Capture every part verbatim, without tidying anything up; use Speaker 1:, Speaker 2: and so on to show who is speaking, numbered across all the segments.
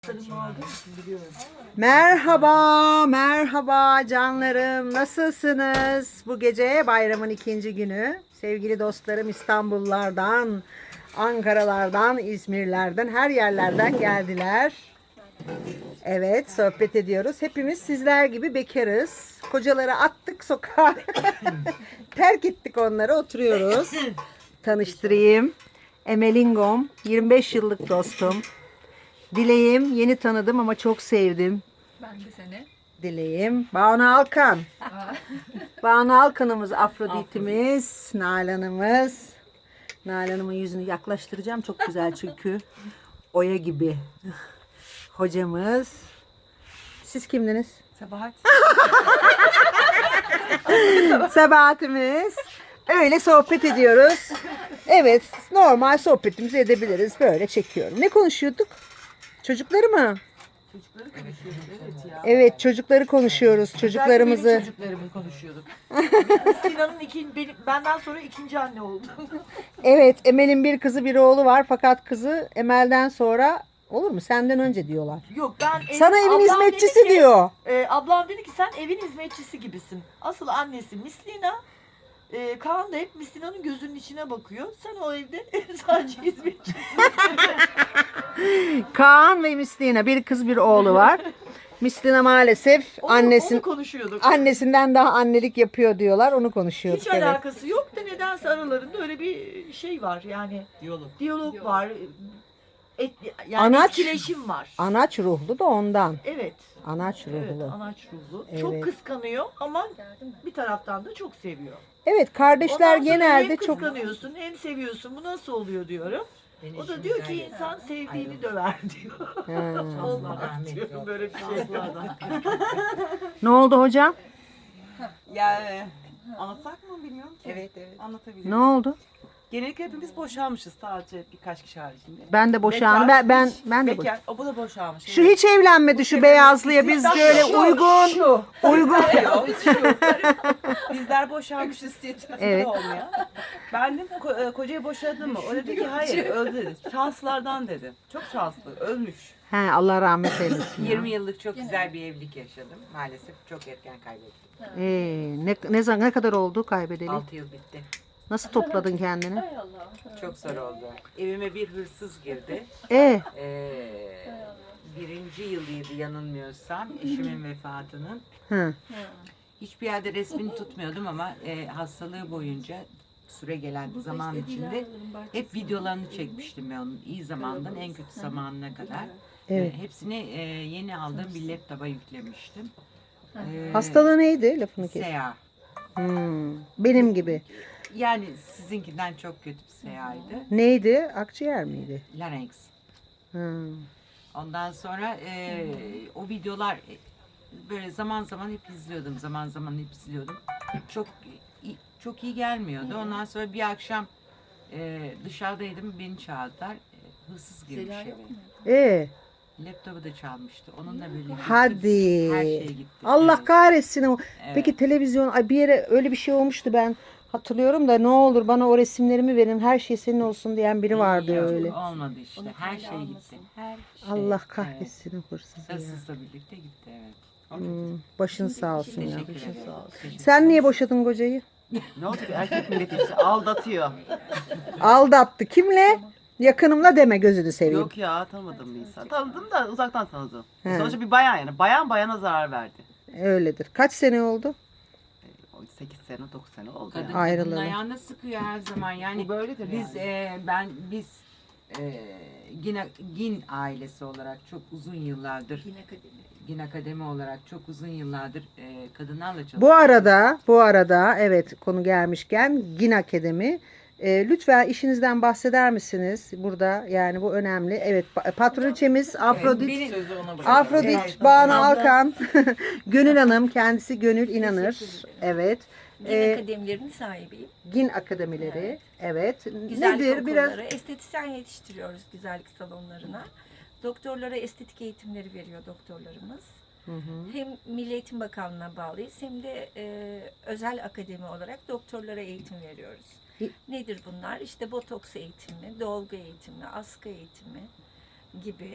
Speaker 1: Merhaba, merhaba canlarım. Nasılsınız? Bu gece bayramın ikinci günü. Sevgili dostlarım İstanbullardan, Ankaralardan, İzmirlerden, her yerlerden geldiler. Evet, sohbet ediyoruz. Hepimiz sizler gibi bekarız. Kocaları attık sokağa. Terk ettik onları, oturuyoruz. Tanıştırayım. Emelingom, yirmi beş yıllık dostum. Dileğim, yeni tanıdım ama çok sevdim.
Speaker 2: Ben de seni.
Speaker 1: Dileğim. Banu Alkan. Banu Alkan'ımız, Afrodit'imiz, Nalan'ımız. Nalan'ımın yüzünü yaklaştıracağım. Çok güzel çünkü. Oya gibi. Hocamız. Siz kimdiniz?
Speaker 2: Sabahat.
Speaker 1: Sabahatimiz. Öyle sohbet ediyoruz. Evet, normal sohbetimizi edebiliriz. Böyle çekiyorum. Ne konuşuyorduk? Çocukları mı?
Speaker 2: Çocukları konuşuyorduk, evet ya.
Speaker 1: Evet, çocukları konuşuyoruz. Çocuklarımızı.
Speaker 2: Benim çocuklarımı konuşuyorduk. Sinan'ın ikinci, benim, benden sonra ikinci anne oldu.
Speaker 1: Evet, Emel'in bir kızı bir oğlu var. Fakat kızı Emel'den sonra olur mu? Senden önce diyorlar.
Speaker 2: Yok ben...
Speaker 1: Sana
Speaker 2: ev-
Speaker 1: evin
Speaker 2: ablam
Speaker 1: hizmetçisi
Speaker 2: dedi ki,
Speaker 1: diyor.
Speaker 2: E, ablam dedi ki sen evin hizmetçisi gibisin. Asıl annesi Mislina. E, Kaan da hep Mislina'nın gözünün içine bakıyor. Sen o evde sadece hizmetçisin.
Speaker 1: Kaan ve Mislina, bir kız bir oğlu var. Mislina maalesef
Speaker 2: Onu,
Speaker 1: annesin
Speaker 2: onu konuşuyorduk.
Speaker 1: annesinden daha annelik yapıyor diyorlar. Onu konuşuyorduk.
Speaker 2: Hiç
Speaker 1: Evet.
Speaker 2: alakası yok da nedense aralarında öyle bir şey var yani. Diyalog. Diyalog var. Et, yani
Speaker 1: Anaç-
Speaker 2: etkileşim var.
Speaker 1: Anaç ruhlu da ondan.
Speaker 2: Evet.
Speaker 1: Anaç
Speaker 2: Evet,
Speaker 1: ruhlu.
Speaker 2: anaç ruhlu.
Speaker 1: Evet.
Speaker 2: Çok kıskanıyor ama bir taraftan da çok seviyor.
Speaker 1: Evet, kardeşler
Speaker 2: Ondan sonra
Speaker 1: genelde
Speaker 2: hem
Speaker 1: çok
Speaker 2: kıskanıyorsun hem seviyorsun. Bu nasıl oluyor diyorum. O da diyor ki insan sevdiğini döver diyor.
Speaker 1: Ha.
Speaker 2: Olmaz diyorum böyle bir şey.
Speaker 1: Ne oldu hocam?
Speaker 3: Ya e, anlatsak mı bilmiyorum ki.
Speaker 4: Evet, evet.
Speaker 3: Anlatabiliriz.
Speaker 1: Ne oldu?
Speaker 3: Genellikle hepimiz boşanmışız sadece birkaç kişi haricinde.
Speaker 1: Ben de boşandım. Ben ben
Speaker 3: hiç-
Speaker 1: ben de boş-
Speaker 3: bekar. O bu da boşanmış.
Speaker 1: Şu hiç evlenmedi şu beyazlıya. Biz böyle uygun uygun.
Speaker 3: Bizler boşanmışız diye
Speaker 1: Evet.
Speaker 3: evet. olmuyor. Ben de ko- e, kocayı boşadın mı? O dedi ki hayır öldü dedi. Şanslardan dedi. Çok şanslı. Ölmüş.
Speaker 1: He, Allah rahmet eylesin. ya.
Speaker 4: yirmi yıllık çok güzel bir evlilik yaşadım. Maalesef çok erken kaybettim.
Speaker 1: Ee, ne ne zaman ne kadar oldu kaybedeli?
Speaker 4: altı yıl bitti.
Speaker 1: Nasıl topladın kendini?
Speaker 4: Çok zor oldu. Evime bir hırsız girdi.
Speaker 1: E,
Speaker 4: Ee, birinci yılıydı yanılmıyorsam eşimin vefatının.
Speaker 1: hı.
Speaker 4: Hiçbir yerde resmini tutmuyordum ama e, hastalığı boyunca süre gelen zaman içinde hep videolarını çekmiştim ben onun. İyi zamandan en kötü zamanına kadar.
Speaker 1: Evet.
Speaker 4: E, hepsini e, yeni aldığım bir laptopa yüklemiştim. E,
Speaker 1: Hastalığı neydi? Lafını kes.
Speaker 4: S E A.
Speaker 1: Hmm, benim gibi.
Speaker 4: Yani sizinkinden çok kötü bir S E A'ydı.
Speaker 1: Neydi? Akciğer miydi?
Speaker 4: Larynx.
Speaker 1: Hmm.
Speaker 4: Ondan sonra e, o videolar e, böyle zaman zaman hep izliyordum. Zaman zaman hep izliyordum. Çok i- çok iyi gelmiyordu. Ondan sonra bir akşam e, dışarıdaydım. Beni çağırdılar. E, hırsız girmiş eve.
Speaker 1: E,
Speaker 4: Laptopu da çalmıştı. Onunla birlikte
Speaker 1: hadi.
Speaker 4: her şey gitti.
Speaker 1: Allah
Speaker 4: Evet.
Speaker 1: kahretsin. o.
Speaker 4: Evet.
Speaker 1: Peki televizyon, ay bir yere öyle bir şey olmuştu ben hatırlıyorum da ne olur bana o resimlerimi verin her şey senin olsun diyen biri vardı
Speaker 4: Yok,
Speaker 1: öyle.
Speaker 4: olmadı işte. Her şey gitti. Her şey.
Speaker 1: Allah
Speaker 4: Evet.
Speaker 1: kahretsin o hırsızı ya.
Speaker 4: Hırsızla birlikte gitti evet.
Speaker 1: Hmm, başın sağ olsun ya.
Speaker 4: Teşekkür ederim. Teşekkür
Speaker 1: Sen niye boşadın kocayı?
Speaker 3: Ne oldu ki erkek milleti işte aldatıyor.
Speaker 1: Aldattı. Kimle? Yakınımla deme gözünü seveyim.
Speaker 3: Yok ya tanımadım bir insan. Tanıdım da uzaktan tanıdım.
Speaker 1: He.
Speaker 3: Sonuçta bir bayan yani. Bayan bayana zarar verdi.
Speaker 1: Öyledir. Kaç sene oldu?
Speaker 3: sekiz sene dokuz sene oldu
Speaker 4: Kadın
Speaker 3: yani.
Speaker 4: kadının
Speaker 1: Ayrılalım.
Speaker 4: ayağına sıkıyor her zaman. Yani
Speaker 3: Bu böyledir
Speaker 4: biz
Speaker 3: yani.
Speaker 4: e, ben biz e, Gin, Gin ailesi olarak çok uzun yıllardır Gin Akademi olarak çok uzun yıllardır e, kadınlarla çalışıyoruz.
Speaker 1: Bu arada, bu arada evet konu gelmişken Gin Akademi. E, lütfen işinizden bahseder misiniz? Burada yani bu önemli. Evet pa- patroniçemiz Afrodit.
Speaker 4: benim-
Speaker 1: Afrodit,
Speaker 4: Evet,
Speaker 1: Banu
Speaker 4: abla.
Speaker 1: Alkan, Gönül Hanım, kendisi Gönül İnanır. Evet.
Speaker 5: Gin
Speaker 1: Ee,
Speaker 5: akademilerinin sahibiyim.
Speaker 1: Gin akademileri. Evet.
Speaker 5: Güzellik
Speaker 1: Nedir biraz?
Speaker 5: okulları, estetisyen yetiştiriyoruz güzellik salonlarına. Doktorlara estetik eğitimleri veriyor doktorlarımız.
Speaker 1: Hı hı.
Speaker 5: Hem Milli Eğitim Bakanlığı'na bağlıyız hem de e, özel akademi olarak doktorlara eğitim veriyoruz.
Speaker 1: İ-
Speaker 5: Nedir bunlar? İşte botoks eğitimi, dolgu eğitimi, askı eğitimi gibi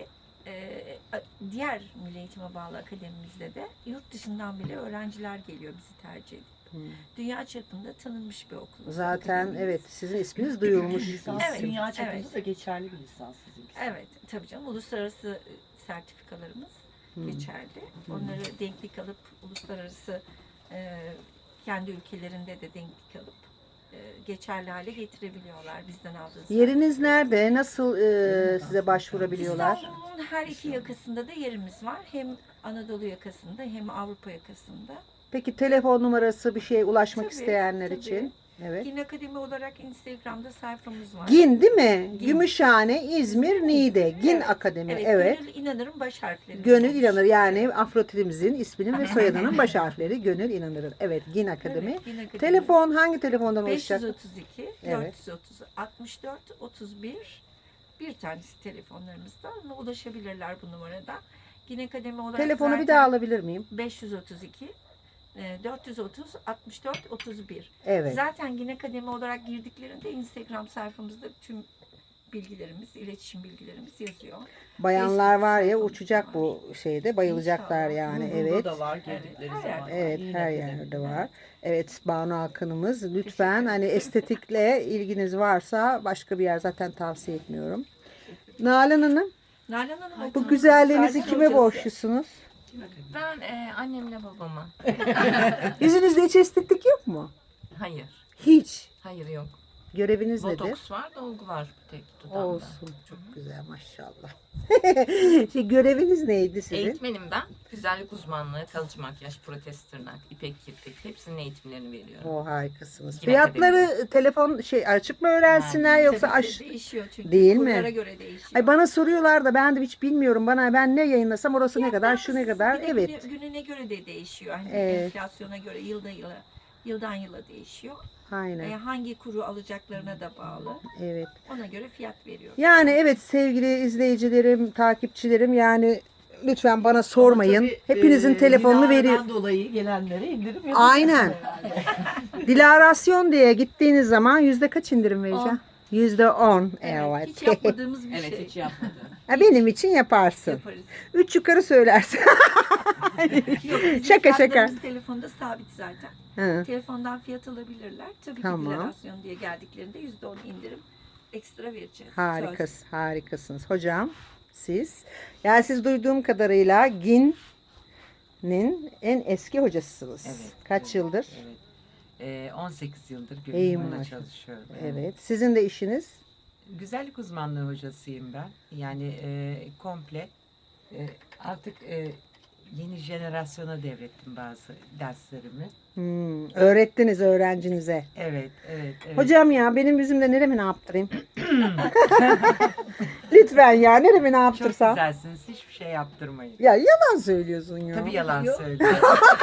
Speaker 5: e, diğer Milli Eğitim'e bağlı akademimizde de yurt dışından bile öğrenciler geliyor bizi tercih edip.
Speaker 1: Hmm.
Speaker 5: Dünya çapında tanınmış bir okul.
Speaker 1: Zaten
Speaker 5: akademimiz.
Speaker 1: evet sizin isminiz duyulmuş.
Speaker 2: Lisans
Speaker 5: Evet,
Speaker 2: dünya çapında
Speaker 5: evet.
Speaker 2: da geçerli bir lisans sizinkisi.
Speaker 5: Evet, tabii canım. Uluslararası e, sertifikalarımız
Speaker 1: Hmm.
Speaker 5: geçerli. Onları denklik alıp uluslararası e, kendi ülkelerinde de denklik alıp e, geçerli hale getirebiliyorlar bizden aldığı
Speaker 1: Yeriniz nerede? Nasıl e, size başvurabiliyorlar?
Speaker 5: İstanbul'un her iki yakasında da yerimiz var. Hem Anadolu yakasında hem Avrupa yakasında.
Speaker 1: Peki telefon numarası bir şeye ulaşmak
Speaker 5: Tabii,
Speaker 1: isteyenler
Speaker 5: tabii.
Speaker 1: için? Evet.
Speaker 5: Gin Akademi olarak Instagram'da sayfamız var.
Speaker 1: Gin değil mi?
Speaker 5: Gin.
Speaker 1: Gümüşhane, İzmir, Niğde. Gin
Speaker 5: Evet,
Speaker 1: Akademi.
Speaker 5: Evet,
Speaker 1: Evet.
Speaker 5: Gönül İnanır'ın baş harfleri.
Speaker 1: Gönül İnanır yani Afrodit'imizin isminin ve soyadının baş harfleri Gönül İnanır'ın. Evet, Gin Akademi.
Speaker 5: Evet, Gin Akademi.
Speaker 1: Telefon hangi telefondan
Speaker 5: beş yüz
Speaker 1: ulaşacak?
Speaker 5: otuz iki,
Speaker 1: Evet.
Speaker 5: dört yüz otuz, altmış dört, otuz bir bir tanesi telefonlarımızda. Ona ulaşabilirler bu numaradan. Gin Akademi olarak
Speaker 1: Telefonu bir
Speaker 5: zaten
Speaker 1: daha alabilir miyim?
Speaker 5: beş yüz otuz iki, e, dört yüz otuz, altmış dört, otuz bir.
Speaker 1: Evet.
Speaker 5: Zaten Gin Akademi olarak girdiklerinde Instagram sayfamızda tüm bilgilerimiz, iletişim bilgilerimiz yazıyor.
Speaker 1: Bayanlar var ya
Speaker 5: sayfamız
Speaker 1: uçacak
Speaker 5: var.
Speaker 1: bu şeyde bayılacaklar
Speaker 5: İnşallah.
Speaker 1: yani.
Speaker 2: Google'da
Speaker 1: Evet.
Speaker 2: da var
Speaker 5: Evet,
Speaker 2: girdikleri
Speaker 5: her
Speaker 2: zaman.
Speaker 5: yerde.
Speaker 1: Evet,
Speaker 2: Yine
Speaker 1: her
Speaker 2: de.
Speaker 1: yerde var. Evet, Banu Akın'ımız lütfen hani estetikle ilginiz varsa başka bir yer zaten tavsiye etmiyorum. Nalan Hanım,
Speaker 5: Nalan Hanım
Speaker 1: bu
Speaker 5: okulun
Speaker 1: güzelliğinizi
Speaker 5: zaten
Speaker 1: kime
Speaker 5: hocası.
Speaker 1: borçlusunuz?
Speaker 6: Ben e, annemle babama.
Speaker 1: Yüzünüzde hiç estetik yok mu?
Speaker 6: Hayır.
Speaker 1: Hiç.
Speaker 6: Hayır yok.
Speaker 1: Göreviniz nedir?
Speaker 6: Botoks var, dolgu var tek dudağımda.
Speaker 1: Olsun. Çok güzel maşallah. şey, göreviniz neydi sizin?
Speaker 6: Eğitmenim ben. Güzellik uzmanlığı, kalıcı makyaj, protez tırnak, ipek kirpik hepsinin eğitimlerini veriyorum.
Speaker 1: O harikasınız.
Speaker 6: Yine
Speaker 1: Fiyatları telefon şey açık mı öğrensinler yoksa
Speaker 5: Tabii ki
Speaker 1: aş
Speaker 5: değişiyor çünkü.
Speaker 1: Değil mi?
Speaker 5: Kurlara göre değişiyor.
Speaker 1: Ay bana soruyorlar da ben de hiç bilmiyorum. Bana ben ne yayınlasam orası ne kadar, şu ne kadar.
Speaker 5: Bir de
Speaker 1: Evet.
Speaker 5: günü- gününe göre de değişiyor. Hani
Speaker 1: Evet.
Speaker 5: enflasyona göre yılda yıla, yıldan yıla değişiyor.
Speaker 1: Aynen.
Speaker 5: E, hangi kuru alacaklarına da bağlı.
Speaker 1: Evet.
Speaker 5: Ona göre fiyat veriyor.
Speaker 1: Yani evet sevgili izleyicilerim, takipçilerim yani lütfen bana sormayın.
Speaker 2: Ama tabii,
Speaker 1: Hepinizin
Speaker 2: e,
Speaker 1: telefonunu
Speaker 2: Dilara'dan
Speaker 1: veriyorum.
Speaker 2: dolayı gelenlere indirim yapacağız.
Speaker 1: Aynen. Dilarasyon diye gittiğiniz zaman yüzde kaç indirim vereceğim? Yüzde on.
Speaker 5: Evet,
Speaker 1: Evet.
Speaker 5: hiç yapmadığımız bir
Speaker 3: Evet
Speaker 5: şey.
Speaker 3: hiç yapmadım.
Speaker 1: Ha, benim için yaparsın.
Speaker 5: Yaparız.
Speaker 1: Üç yukarı söylersin.
Speaker 5: Yok, bizim
Speaker 1: Şaka, şaka.
Speaker 5: fiyatlarımız telefonda sabit zaten.
Speaker 1: Hı.
Speaker 5: Telefondan fiyat alabilirler. Tabii
Speaker 1: Tamam.
Speaker 5: ki dilarasyon diye geldiklerinde yüzde on indirim ekstra vereceğiz.
Speaker 1: Harikasınız, harikasınız. Hocam siz, yani siz duyduğum kadarıyla Gin'in en eski hocasısınız.
Speaker 4: Evet.
Speaker 1: Kaç yıldır?
Speaker 4: Evet. Ee, on sekiz yıldır
Speaker 1: İyi
Speaker 4: gönüllü
Speaker 1: maşallah.
Speaker 4: çalışıyorum.
Speaker 1: Evet. Sizin de işiniz?
Speaker 4: Güzellik uzmanlığı hocasıyım ben. Yani e, komple e, artık e, yeni jenerasyona devrettim bazı derslerimi.
Speaker 1: Hmm, öğrettiniz öğrencinize.
Speaker 4: Evet, evet, evet.
Speaker 1: Hocam ya benim yüzümde neremi ne yaptırayım? Lütfen ya neremi ne
Speaker 4: Çok
Speaker 1: yaptırsam?
Speaker 4: güzelsiniz. Hiçbir şey yaptırmayın.
Speaker 1: Ya yalan söylüyorsun ya.
Speaker 4: Tabii yalan
Speaker 5: Yok.
Speaker 4: söylüyorum.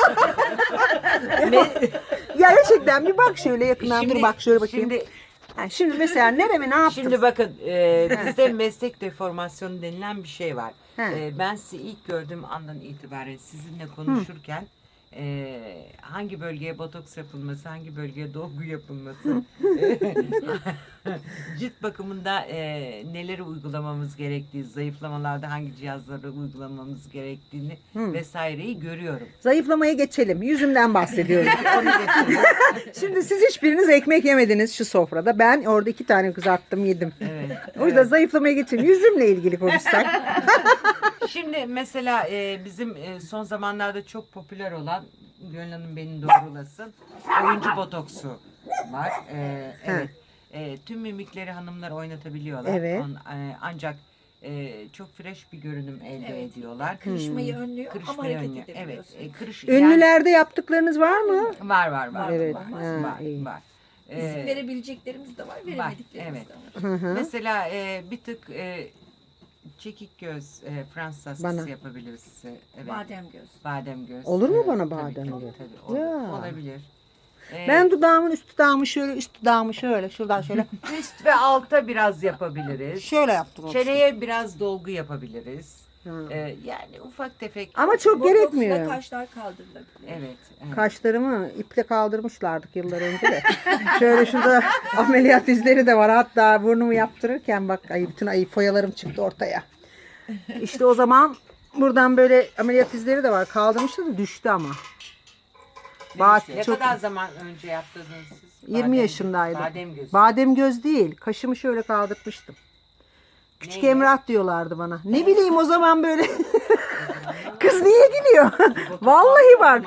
Speaker 1: Ya gerçekten bir bak şöyle yakından dur bak şöyle bakayım.
Speaker 4: Şimdi,
Speaker 1: Ha, şimdi mesela neremi ne yaptım?
Speaker 4: şimdi bakın e, bizde meslek deformasyonu denilen bir şey var.
Speaker 1: He.
Speaker 4: E, ben sizi ilk gördüğüm andan itibaren sizinle konuşurken e, hangi bölgeye botoks yapılması, hangi bölgeye dolgu yapılması, e, cilt bakımında e, neleri uygulamamız gerektiği, zayıflamalarda hangi cihazları uygulamamız gerektiğini
Speaker 1: Hı.
Speaker 4: vesaireyi görüyorum.
Speaker 1: Zayıflamaya geçelim. Yüzümden bahsediyorum. Şimdi siz hiçbiriniz ekmek yemediniz şu sofrada. Ben orada iki tane kızarttım yedim.
Speaker 4: Evet.
Speaker 1: O yüzden zayıflamaya geçelim. Yüzümle ilgili konuşsak.
Speaker 4: Şimdi mesela e, bizim e, son zamanlarda çok popüler olan Gönül Hanım beni doğrulasın. Oyuncu botoksu var. E, evet. E, tüm mimikleri hanımlar oynatabiliyorlar.
Speaker 1: Evet.
Speaker 4: On- e, ancak e, çok fresh bir görünüm elde
Speaker 5: Evet.
Speaker 4: ediyorlar.
Speaker 5: Kırışmayı önlüyor ama
Speaker 4: Kırışmayı
Speaker 5: hareket
Speaker 4: önlüyor. Evet.
Speaker 5: edebiliyorsun.
Speaker 4: E, kırış, yani-
Speaker 1: Ünlülerde yaptıklarınız var mı?
Speaker 4: var var var.
Speaker 1: Evet,
Speaker 4: Var,
Speaker 1: ha,
Speaker 4: var,
Speaker 1: iyi.
Speaker 4: var.
Speaker 5: İzin
Speaker 4: E,
Speaker 5: verebileceklerimiz de var, veremediklerimiz
Speaker 4: evet.
Speaker 5: de var.
Speaker 1: Hı hı.
Speaker 4: Mesela e, bir tık e, çekik göz e, Fransız askısı
Speaker 1: Bana.
Speaker 4: yapabiliriz. E, Evet.
Speaker 5: Badem göz.
Speaker 4: Badem göz.
Speaker 1: Olur mu
Speaker 4: Evet,
Speaker 1: bana
Speaker 4: tabii,
Speaker 1: badem
Speaker 4: tabii,
Speaker 1: göz?
Speaker 4: tabii, olur.
Speaker 1: Ya.
Speaker 4: Olabilir. Ee,
Speaker 1: Ben dudağımın üst dudağımı şöyle, üst dudağımı şöyle, şuradan şöyle,
Speaker 4: üst ve alta biraz yapabiliriz.
Speaker 1: şöyle yaptım. olsun.
Speaker 4: Çeneye biraz dolgu yapabiliriz.
Speaker 1: Hı.
Speaker 4: Ee, yani ufak tefek.
Speaker 1: Ama çok
Speaker 5: Botoksla
Speaker 1: gerekmiyor.
Speaker 5: kaşlar kaldırılabilir.
Speaker 4: Evet. evet.
Speaker 1: Kaşlarımı iple kaldırmışlardık yıllar önce de. Şöyle şurada ameliyat izleri de var. Hatta burnumu yaptırırken bak ay bütün ay foyalarım çıktı ortaya. İşte o zaman buradan böyle ameliyat izleri de var. Kaldırmıştı da düştü ama. Bak,
Speaker 4: Ne
Speaker 1: çok
Speaker 4: kadar zaman önce yaptırdınız siz?
Speaker 1: yirmi
Speaker 4: Badem-
Speaker 1: yaşındaydım.
Speaker 4: Badem gözü.
Speaker 1: Badem göz değil. Kaşımı şöyle kaldırtmıştım. Küçük
Speaker 4: Neyle?
Speaker 1: Emrah diyorlardı bana. Ne bileyim o zaman böyle. Kız niye gülüyor? Vallahi bak.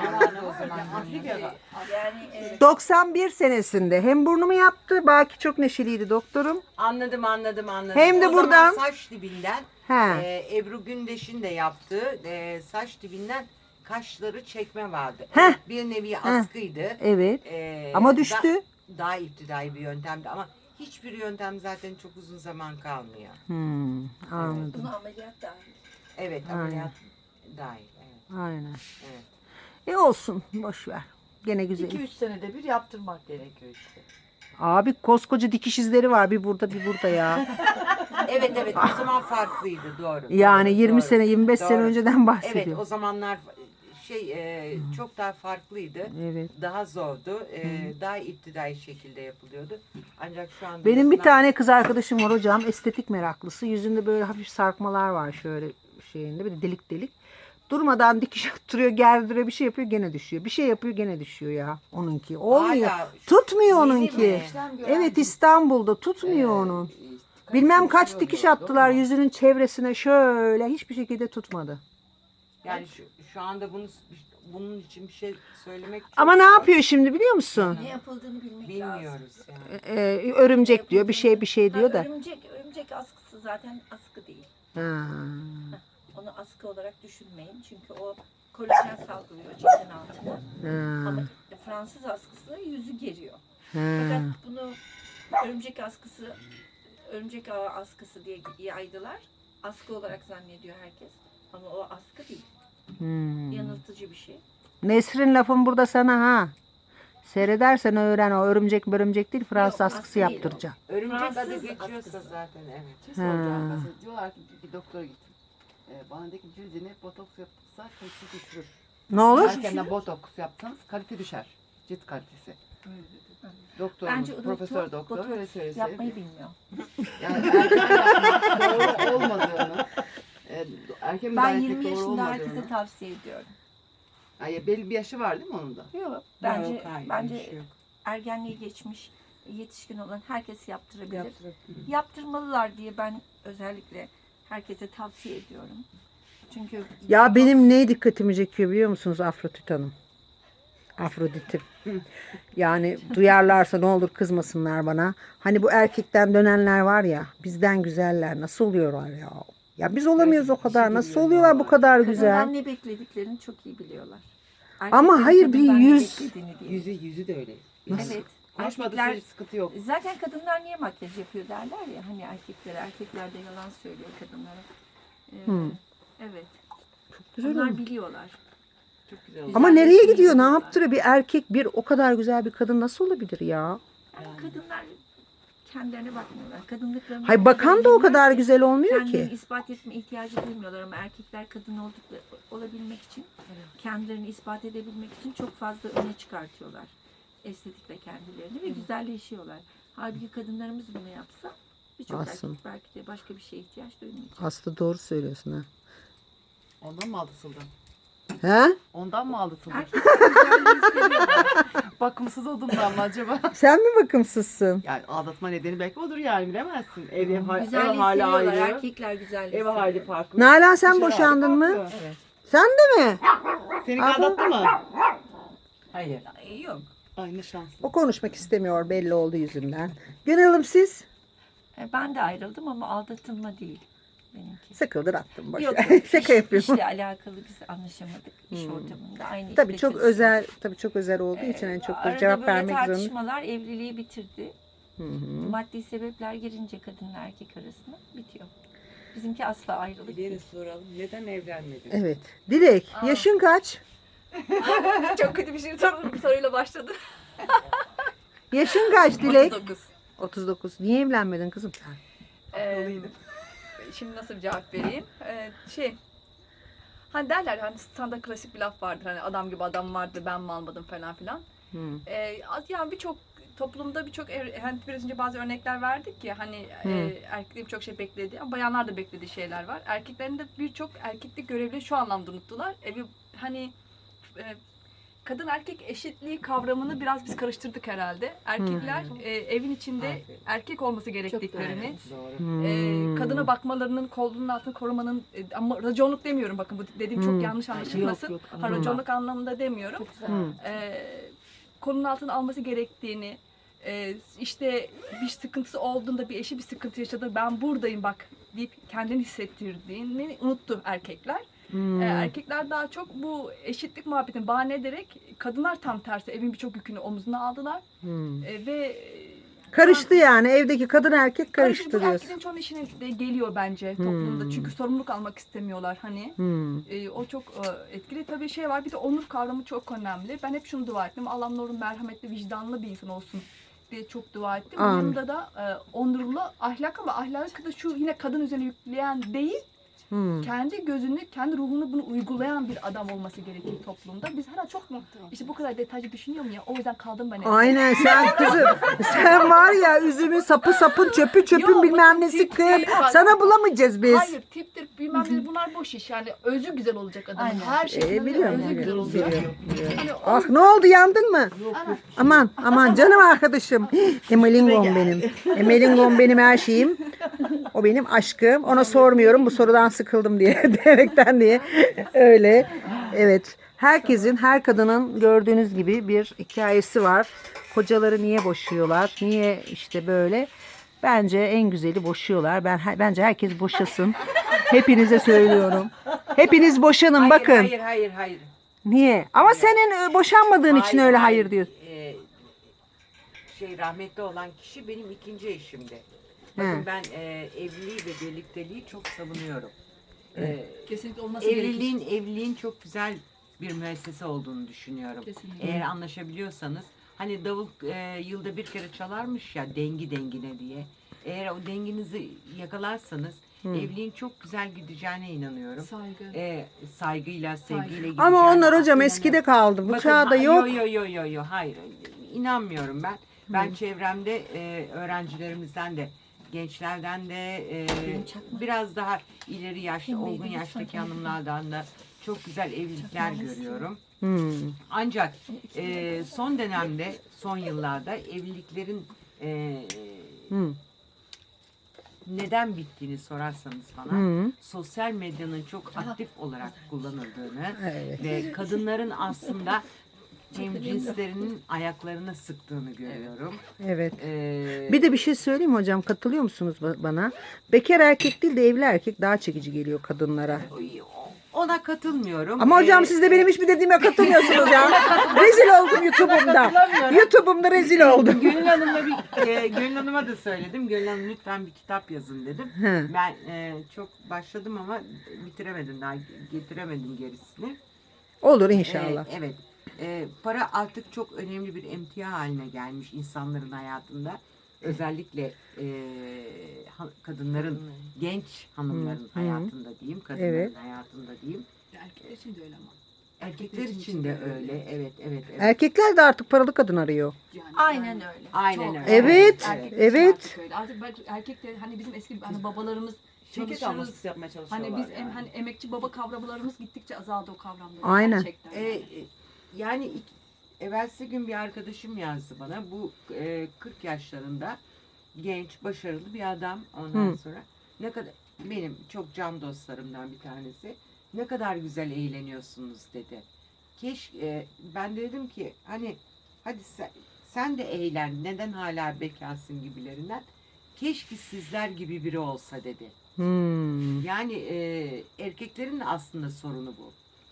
Speaker 5: Yani e,
Speaker 1: doksan bir senesinde hem burnumu yaptı. Baki çok neşeliydi doktorum.
Speaker 4: Anladım anladım anladım.
Speaker 1: Hem de
Speaker 4: O
Speaker 1: buradan-
Speaker 4: zaman saç dibinden
Speaker 1: He.
Speaker 4: e, Ebru Gündeş'in de yaptığı e, saç dibinden kaşları çekme vardı.
Speaker 1: Heh.
Speaker 4: Evet, bir nevi askıydı.
Speaker 1: Evet.
Speaker 4: E,
Speaker 1: Ama düştü.
Speaker 4: da- daha iptidai bir yöntemdi ama hiçbir yöntem zaten çok uzun zaman kalmıyor.
Speaker 1: Hmm, anladım.
Speaker 5: bunu ameliyat dahil.
Speaker 4: Evet
Speaker 1: Aynen.
Speaker 4: ameliyat dahil. Evet.
Speaker 1: Aynen.
Speaker 4: Evet.
Speaker 1: E olsun. Boş ver. Gene güzel.
Speaker 2: iki üç senede bir yaptırmak gerekiyor işte.
Speaker 1: Abi koskoca dikiş izleri var. Bir burada bir burada ya.
Speaker 4: Evet evet o zaman farklıydı doğru.
Speaker 1: Yani
Speaker 4: doğru,
Speaker 1: yirmi
Speaker 4: doğru.
Speaker 1: sene yirmi beş sene
Speaker 4: Doğru.
Speaker 1: önceden
Speaker 4: Evet
Speaker 1: bahsediyorum.
Speaker 4: o zamanlar şey e, çok daha farklıydı.
Speaker 1: Evet.
Speaker 4: Daha zordu. E, daha iptidai şekilde yapılıyordu. Ancak şu anda
Speaker 1: Benim bir
Speaker 4: yapılan-
Speaker 1: tane kız arkadaşım var hocam. Estetik meraklısı. Yüzünde böyle hafif sarkmalar var şöyle şeyinde. Bir de delik delik. Durmadan dikiş attırıyor, gerdiriyor, bir şey yapıyor gene düşüyor. Bir şey yapıyor gene düşüyor ya onunki. Olmuyor.
Speaker 4: Hala şu-
Speaker 1: Tutmuyor
Speaker 4: yeni
Speaker 1: onunki.
Speaker 4: mi?
Speaker 1: Evet İstanbul'da tutmuyor onun. Bilmem kaç dikiş attılar yüzünün çevresine şöyle hiçbir şekilde tutmadı.
Speaker 4: Yani şu, şu anda bunu bunun için bir şey söylemek çok
Speaker 1: Ama ne
Speaker 4: zor.
Speaker 1: yapıyor şimdi biliyor musun?
Speaker 5: Ne yapıldığını bilmek lazım.
Speaker 4: Bilmiyoruz yani.
Speaker 1: Ee, örümcek diyor, bir şey bir şey diyor
Speaker 5: Ha,
Speaker 1: da.
Speaker 5: Örümcek, örümcek askısı zaten askı değil.
Speaker 1: Ha.
Speaker 5: Onu askı olarak düşünmeyin. Çünkü o kolajen salgılıyor cildin altına.
Speaker 1: Ha.
Speaker 5: Ama Fransız askısı yüzü geriyor.
Speaker 1: Ha.
Speaker 5: Fakat bunu örümcek askısı, örümcek ağı askısı diye yaydılar. Askı olarak zannediyor herkes. Ama o askı değil.
Speaker 1: Hmm.
Speaker 5: Yanıltıcı bir şey.
Speaker 1: Nesrin lafım burada sana ha. Seyredersen öğren o örümcek örümcek değil Fransız
Speaker 5: Yok,
Speaker 1: askısı
Speaker 5: askı değil o.
Speaker 1: yaptıracak.
Speaker 4: Örümcek
Speaker 5: Fransız
Speaker 4: adı geçiyorsa
Speaker 5: askısı.
Speaker 4: zaten evet.
Speaker 3: Şey soracağım
Speaker 1: Ha.
Speaker 3: mesela diyorlar ki bir, bir doktora gittim. Ee, bana dedi ki cildine botoks yapılsa kalitesi düşürür.
Speaker 1: Ne olur?
Speaker 3: Erkenden botoks yapsanız kalite düşer. Cilt kalitesi. Doktorumuz,
Speaker 5: Bence o
Speaker 3: profesör
Speaker 5: doktor,
Speaker 3: doktor
Speaker 5: botoks
Speaker 3: öyle söylese.
Speaker 5: yapmayı bilmiyor.
Speaker 3: Yani erken yapmak doğru olmadığını, e, erken
Speaker 5: Ben
Speaker 3: müdahale
Speaker 5: yirmi
Speaker 3: doğru
Speaker 5: yaşında
Speaker 3: olmadığını.
Speaker 5: herkese tavsiye ediyorum.
Speaker 3: Yani belli bir yaşı var değil mi onun da?
Speaker 5: Yok. Bence
Speaker 4: Yok, hayır,
Speaker 5: bence
Speaker 4: bir şey yok.
Speaker 5: ergenliği geçmiş, yetişkin olan herkes yaptırabilir. Yaptırmalılar diye ben özellikle herkese tavsiye ediyorum. Çünkü
Speaker 1: Ya benim ne dikkatimi çekiyor biliyor musunuz Afrodit Hanım? Afrodit'im. Yani duyarlarsa ne olur kızmasınlar bana. Hani bu erkekten dönenler var ya bizden güzeller nasıl oluyorlar ya? Ya biz olamıyoruz o kadar. Nasıl oluyorlar bu kadar
Speaker 5: kadından
Speaker 1: güzel?
Speaker 5: ne beklediklerini çok iyi biliyorlar.
Speaker 1: Ama
Speaker 5: Erkeklerin
Speaker 1: hayır, bir
Speaker 5: kadından ne
Speaker 1: yüz-
Speaker 5: beklediğini değil.
Speaker 3: Yüzü yüzü de öyle.
Speaker 5: Evet.
Speaker 3: Konuşmadığı
Speaker 5: Erkekler,
Speaker 3: sürece sıkıntı yok.
Speaker 5: zaten kadınlar niye makyaj yapıyor derler ya hani erkeklere. Erkekler de yalan söylüyor kadınlara. Ee,
Speaker 1: Hmm.
Speaker 5: Evet.
Speaker 1: Güzel
Speaker 5: Onlar
Speaker 1: olmuş.
Speaker 5: biliyorlar.
Speaker 3: Çok güzel oldu.
Speaker 1: Ama nereye
Speaker 5: Güzelleşmeyi
Speaker 1: gidiyor? Ne
Speaker 5: biliyorlar.
Speaker 1: yaptırıyor? Bir erkek bir o kadar güzel bir kadın nasıl olabilir ya?
Speaker 5: Yani kadınlar kendilerine bakmıyorlar. Kadınlıklarını
Speaker 1: Hay bakan da o kadar güzel olmuyor
Speaker 5: kendilerini
Speaker 1: ki.
Speaker 5: ispat etme ihtiyacı duymuyorlar ama erkekler kadın oldukları olabilmek için kendilerini ispat edebilmek için çok fazla öne çıkartıyorlar estetikle kendilerini ve güzelleşiyorlar. Halbuki kadınlarımız bunu yapsa birçok
Speaker 1: Aslında.
Speaker 5: erkek belki de başka bir şeye ihtiyaç duymayacak.
Speaker 1: Aslında doğru söylüyorsun ha.
Speaker 3: Ondan mı aldatıldın?
Speaker 1: He?
Speaker 3: Ondan mı aldatıldın?
Speaker 5: Erkekler güzelliği seviyorlar.
Speaker 3: Bakımsız olduğumdan mı acaba?
Speaker 1: Sen mi bakımsızsın?
Speaker 3: Yani aldatma nedeni belki odur yani bilemezsin. Ev, ev, ev
Speaker 5: Güzelliği
Speaker 3: hali
Speaker 5: seviyorlar.
Speaker 3: ayrı.
Speaker 5: Erkekler güzelliği
Speaker 3: Ev hali
Speaker 5: seviyor.
Speaker 3: farklı.
Speaker 1: Nalan sen
Speaker 3: Dışarı hali
Speaker 1: boşandın mı?
Speaker 3: farklı.
Speaker 1: Sen de mi?
Speaker 3: Seni
Speaker 1: Abi.
Speaker 3: aldattı mı?
Speaker 4: Hayır. Yok.
Speaker 3: Ay ne şanslı.
Speaker 1: O konuşmak istemiyor belli oldu yüzünden. Gönül Hanım siz?
Speaker 5: E, Ben de ayrıldım ama aldatılma değil benimki.
Speaker 1: Sıkıldır attım boş
Speaker 5: Yok,
Speaker 1: ver.
Speaker 5: yok.
Speaker 1: Şaka
Speaker 5: İş-
Speaker 1: yapıyorum.
Speaker 5: İşle alakalı biz anlaşamadık iş ortamında. Aynı
Speaker 1: Tabii
Speaker 5: işte
Speaker 1: çok
Speaker 5: çalışıyoruz.
Speaker 1: özel, tabii çok özel olduğu için en çok da
Speaker 5: Arada
Speaker 1: cevap
Speaker 5: böyle
Speaker 1: vermek zorunda.
Speaker 5: tartışmalar evliliği bitirdi.
Speaker 1: Hı hı.
Speaker 5: Maddi sebepler girince kadınla erkek arasında bitiyor. Bizimki asla ayrılık değil.
Speaker 3: soralım. Neden evlenmedin?
Speaker 1: Evet. Dilek, yaşın kaç?
Speaker 7: Çok kötü bir şey sor- soruyla başladı.
Speaker 1: Yaşın kaç Dilek?
Speaker 7: otuz dokuz.
Speaker 1: otuz dokuz. Niye evlenmedin kızım sen?
Speaker 7: Ee, şimdi nasıl bir cevap vereyim? Ee, şey, hani derler hani standart klasik bir laf vardır hani adam gibi adam vardı ben mi almadım falan filan.
Speaker 1: Hı.
Speaker 7: Ee, yani birçok toplumda birçok er- hani biraz önce bazı örnekler verdik ya hani
Speaker 1: Hı.
Speaker 7: e, erkeklerin birçok şey beklediği ama bayanlar da beklediği şeyler var. Erkeklerin de birçok erkeklik görevleri şu anlamda unuttular. Evi hani e, kadın erkek eşitliği kavramını biraz biz karıştırdık herhalde. Erkekler e, evin içinde
Speaker 4: Aferin.
Speaker 7: erkek olması gerektiklerini,
Speaker 4: Doğru.
Speaker 1: Hmm.
Speaker 7: e, kadına bakmalarının, kolunun altını korumanın e, ama raconluk demiyorum bakın bu dediğim
Speaker 1: Hmm.
Speaker 7: çok yanlış anlaşılmasın.
Speaker 3: Yok, yok,
Speaker 7: Ha, raconluk anlamında demiyorum.
Speaker 5: Çok güzel.
Speaker 1: Hmm.
Speaker 7: E, konunun altına alması gerektiğini, e, işte bir sıkıntısı olduğunda bir eşi bir sıkıntı yaşadı ben buradayım bak deyip kendini hissettirdiğini unuttu erkekler.
Speaker 1: Hmm.
Speaker 7: Ee, erkekler daha çok bu eşitlik muhabbetini bahane ederek kadınlar tam tersi evin birçok yükünü omzuna aldılar
Speaker 1: Hmm.
Speaker 7: Ee, ve
Speaker 1: Karıştı yani evdeki kadın erkek
Speaker 7: karışık
Speaker 1: karıştı
Speaker 7: bu
Speaker 1: diyorsun.
Speaker 7: erkeklerin çoğunun işine de geliyor bence toplumda
Speaker 1: Hmm.
Speaker 7: çünkü sorumluluk almak istemiyorlar hani.
Speaker 1: Hmm.
Speaker 7: Ee, o çok e, etkili tabii şey var bir de onur kavramı çok önemli. Ben hep şunu dua ettim Allah Nur'un merhametli vicdanlı bir insan olsun diye çok dua ettim.
Speaker 1: Amin.
Speaker 7: Yanında da e, onurlu ahlak ama ahlakı da şu yine kadın üzerine yükleyen değil
Speaker 1: Hmm.
Speaker 7: kendi gözünü, kendi ruhunu bunu uygulayan bir adam olması gerekir toplumda. Biz hala çok mu işte bu kadar detaycı düşünüyorum ya. O yüzden kaldım ben evde.
Speaker 1: Aynen sen kızım. Sen var ya üzümün sapı sapın çöpü çöpün
Speaker 7: Yok,
Speaker 1: bilmem
Speaker 7: bakın
Speaker 1: nesi
Speaker 7: tip
Speaker 1: kız.
Speaker 7: değil, bak.
Speaker 1: Sana bulamayacağız biz.
Speaker 7: Hayır tiptir bilmem ne bunlar boş iş. Yani özü güzel olacak adamın.
Speaker 5: Aynen.
Speaker 7: Her şeyden
Speaker 1: Ee, biliyorum,
Speaker 7: özü güzel
Speaker 1: biliyorum,
Speaker 7: olacak.
Speaker 1: biliyorum,
Speaker 7: Hani o-
Speaker 1: Ah ne oldu yandın mı? Aman aman canım arkadaşım. Emelingom benim. Emelingom benim her şeyim. O benim aşkım. Ona sormuyorum bu sorudan sıkıldım diye diyerekten diye. Öyle. Evet. Herkesin, her kadının gördüğünüz gibi bir hikayesi var. Kocaları niye boşuyorlar? Niye işte böyle? Bence en güzeli boşuyorlar. Ben bence herkes boşasın. Hepinize söylüyorum. Hepiniz boşanın
Speaker 4: Hayır,
Speaker 1: bakın.
Speaker 4: Hayır hayır hayır.
Speaker 1: Niye? Ama senin e, boşanmadığın için öyle hayır diyorsun.
Speaker 4: Ee, şey rahmetli olan kişi benim ikinci eşimdi. Bakın
Speaker 1: He.
Speaker 4: ben e, evliliği ve birlikteliği çok savunuyorum. Ee,
Speaker 7: kesinlikle olması gerekir.
Speaker 4: evliliğin evliliğin çok güzel bir müessese olduğunu düşünüyorum.
Speaker 7: Kesinlikle.
Speaker 4: Eğer anlaşabiliyorsanız hani davul e, yılda bir kere çalarmış ya dengi dengine diye. Eğer o denginizi yakalarsanız evliliğin çok güzel gideceğine inanıyorum.
Speaker 7: Saygı.
Speaker 4: E, saygıyla, sevgiyle gideceğine
Speaker 1: Ama onlar hocam
Speaker 4: inanıyorum.
Speaker 1: eskide kaldı. Bu
Speaker 4: Bakın,
Speaker 1: çağda
Speaker 4: ha-
Speaker 1: yok.
Speaker 4: Yo yo yo yo yo hayır inanmıyorum ben. Ben çevremde e, öğrencilerimizden de gençlerden de e, biraz daha ileri yaşta olgun yaştaki hanımlardan da çok güzel evlilikler görüyorum.
Speaker 1: Hmm.
Speaker 4: Ancak e, son dönemde son yıllarda evliliklerin e,
Speaker 1: Hmm.
Speaker 4: neden bittiğini sorarsanız bana
Speaker 1: Hmm.
Speaker 4: sosyal medyanın çok aktif olarak kullanıldığını
Speaker 1: Evet.
Speaker 4: ve kadınların aslında hemcinslerinin ayaklarına sıktığını görüyorum.
Speaker 1: Evet.
Speaker 4: Ee,
Speaker 1: Bir de bir şey söyleyeyim mi hocam? Katılıyor musunuz ba- bana? Bekar erkek değil de evli erkek daha çekici geliyor kadınlara.
Speaker 4: ona katılmıyorum.
Speaker 1: Ama hocam
Speaker 4: Ee,
Speaker 1: siz de benim hiçbir dediğime katılmıyorsunuz ya. Rezil oldum YouTube'umda. YouTube'umda rezil oldum.
Speaker 4: Gönül Hanım'la bir e, Gönül Hanım'a da söyledim. Gönül Hanım lütfen bir kitap yazın dedim.
Speaker 1: He.
Speaker 4: Ben e, çok başladım ama bitiremedim daha getiremedim gerisini.
Speaker 1: Olur inşallah.
Speaker 4: Ee, evet. Ee, para artık çok önemli bir emtia haline gelmiş insanların hayatında. Özellikle e, ha- kadınların, genç hanımların hayatında diyeyim, kadınların
Speaker 1: Evet.
Speaker 4: hayatında diyeyim.
Speaker 7: Erkekler için de öyle ama.
Speaker 4: Erkekler için de öyle. Evet, evet, evet.
Speaker 1: Erkekler de artık paralı kadın arıyor.
Speaker 7: Yani,
Speaker 5: Aynen
Speaker 7: yani
Speaker 5: öyle.
Speaker 4: Aynen
Speaker 7: çok.
Speaker 4: öyle.
Speaker 1: Evet,
Speaker 7: Erkekler için
Speaker 1: evet.
Speaker 7: Artık, öyle. artık belki erkekler hani bizim eski hani babalarımız
Speaker 3: Şirket
Speaker 7: çalışırız.
Speaker 3: alması yapmaya çalışıyorlar.
Speaker 7: Hani biz em,
Speaker 3: yani.
Speaker 7: hani emekçi baba kavramlarımız gittikçe azaldı o kavramlar.
Speaker 1: Aynen.
Speaker 7: Gerçekten.
Speaker 4: Ee, e, yani ilk- evvelsi gün bir arkadaşım yazdı bana. Bu e, kırk yaşlarında genç, başarılı bir adam. Ondan
Speaker 1: Hı.
Speaker 4: sonra ne kadar benim çok can dostlarımdan bir tanesi. Ne kadar güzel eğleniyorsunuz dedi. Keşke ben de dedim ki hani hadi sen, sen de eğlen. Neden hala bekarsın gibilerinden. Keşke sizler gibi biri olsa dedi.
Speaker 1: Hmm.
Speaker 4: Yani e, erkeklerin de aslında sorunu bu.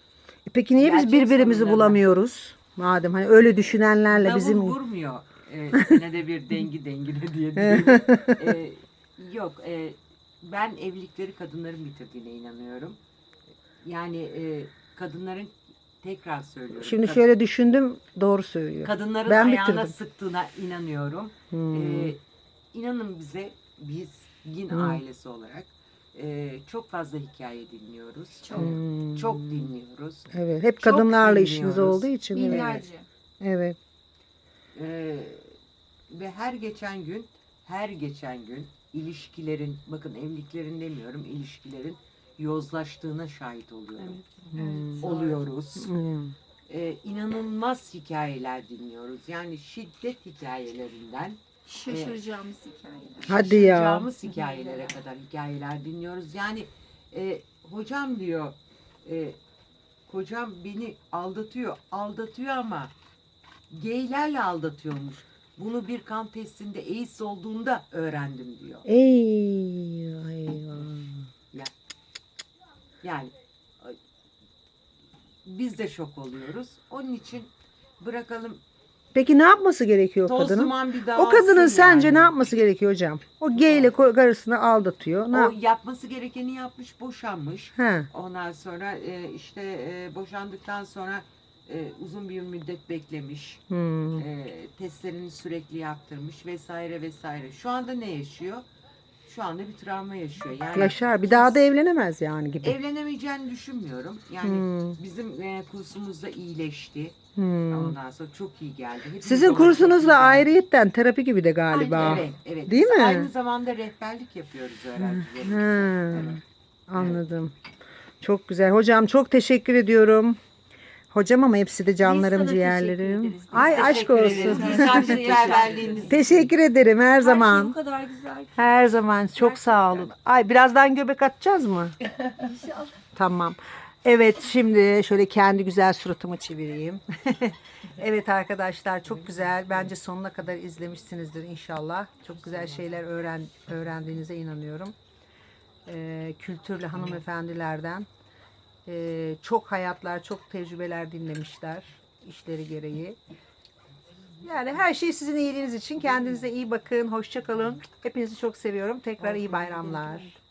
Speaker 1: Peki niye biz
Speaker 4: Gerçek
Speaker 1: birbirimizi
Speaker 4: sorunlarına.
Speaker 1: bulamıyoruz? Madem hani öyle düşünenlerle
Speaker 4: Davul
Speaker 1: bizim...
Speaker 4: vurmuyor. E, senede bir dengi dengine diye diyor. E, yok. E, ben evlilikleri kadınların bitirdiğine inanıyorum. Yani e, kadınların tekrar söylüyorum.
Speaker 1: Şimdi
Speaker 4: kad-
Speaker 1: şöyle düşündüm, doğru söylüyor.
Speaker 4: kadınların
Speaker 1: Ben
Speaker 4: ayağına
Speaker 1: bitirdim.
Speaker 4: sıktığına inanıyorum.
Speaker 1: Hmm.
Speaker 4: E, inanın bize biz Yin
Speaker 1: Hmm.
Speaker 4: ailesi olarak e, çok fazla hikaye dinliyoruz. Çok,
Speaker 1: Hmm.
Speaker 4: çok dinliyoruz.
Speaker 1: Evet, hep
Speaker 4: Çok
Speaker 1: kadınlarla işiniz
Speaker 4: dinliyoruz.
Speaker 1: olduğu için. Evet.
Speaker 5: Binlerce.
Speaker 1: Evet.
Speaker 4: Ee, ve her geçen gün her geçen gün ilişkilerin, bakın evliliklerin demiyorum, ilişkilerin yozlaştığına şahit oluyorum.
Speaker 1: Hmm.
Speaker 4: Oluyoruz.
Speaker 1: Hmm.
Speaker 4: Ee, inanılmaz hikayeler dinliyoruz. Yani şiddet hikayelerinden
Speaker 5: Şaşıracağımız hikayeler.
Speaker 1: Hadi ya.
Speaker 4: şaşıracağımız hikayelere kadar hikayeler dinliyoruz. Yani e, hocam diyor, e, kocam beni aldatıyor, aldatıyor ama geylerle aldatıyormuş. Bunu bir kan testinde AIDS olduğunda öğrendim diyor.
Speaker 1: Eyvah eyvah.
Speaker 4: Yani ay, biz de şok oluyoruz. Onun için bırakalım.
Speaker 1: Peki ne yapması gerekiyor o
Speaker 4: Toz
Speaker 1: kadının?
Speaker 4: duman bir
Speaker 1: O
Speaker 4: dağılsın
Speaker 1: kadının sence
Speaker 4: yani.
Speaker 1: ne yapması gerekiyor hocam? O geyle ko- karısını aldatıyor. Ne
Speaker 4: O
Speaker 1: yap-
Speaker 4: yapması gerekeni yapmış, boşanmış.
Speaker 1: He.
Speaker 4: Ondan sonra e, işte e, boşandıktan sonra e, uzun bir müddet beklemiş.
Speaker 1: Hmm.
Speaker 4: E, testlerini sürekli yaptırmış vesaire vesaire. Şu anda ne yaşıyor? Şu anda bir travma yaşıyor. Yani
Speaker 1: Yaşar. Bir daha da evlenemez yani gibi.
Speaker 4: evlenemeyeceğini düşünmüyorum. Yani
Speaker 1: Hmm.
Speaker 4: bizim e, kursumuzda iyileşti.
Speaker 1: Hmm.
Speaker 4: Ondan sonra çok iyi geldi. Hepimiz
Speaker 1: Sizin
Speaker 4: ona çok iyi
Speaker 1: kursunuz da
Speaker 4: geldi.
Speaker 1: ayrıyetten terapi gibi de galiba.
Speaker 4: Evet, evet.
Speaker 1: Değil
Speaker 4: Biz
Speaker 1: mi?
Speaker 4: aynı zamanda rehberlik yapıyoruz öğrencilerimize.
Speaker 1: Ha,
Speaker 4: Evet.
Speaker 1: anladım. Çok güzel. Hocam çok teşekkür ediyorum. Hocam ama hepsi de canlarım,
Speaker 5: sana
Speaker 1: ciğerlerim.
Speaker 5: teşekkür ederiz. Biz
Speaker 1: Ay aşk
Speaker 4: Teşekkür ederiz.
Speaker 1: olsun.
Speaker 4: Misafirperverliğiniz.
Speaker 1: Teşekkür ederim her
Speaker 5: Her şey
Speaker 1: zaman.
Speaker 5: o kadar güzel ki.
Speaker 1: Her zaman çok sağ olun. Ay birazdan göbek atacağız mı?
Speaker 5: İnşallah.
Speaker 1: Tamam. Evet şimdi şöyle kendi güzel suratımı çevireyim. Evet arkadaşlar çok güzel. Bence sonuna kadar izlemişsinizdir inşallah. Çok güzel şeyler öğren öğrendiğinize inanıyorum. Ee, kültürlü hanımefendilerden ee, çok hayatlar, çok tecrübeler dinlemişler işleri gereği. Yani her şey sizin iyiliğiniz için. Kendinize iyi bakın. Hoşça kalın. Hepinizi çok seviyorum. Tekrar iyi bayramlar.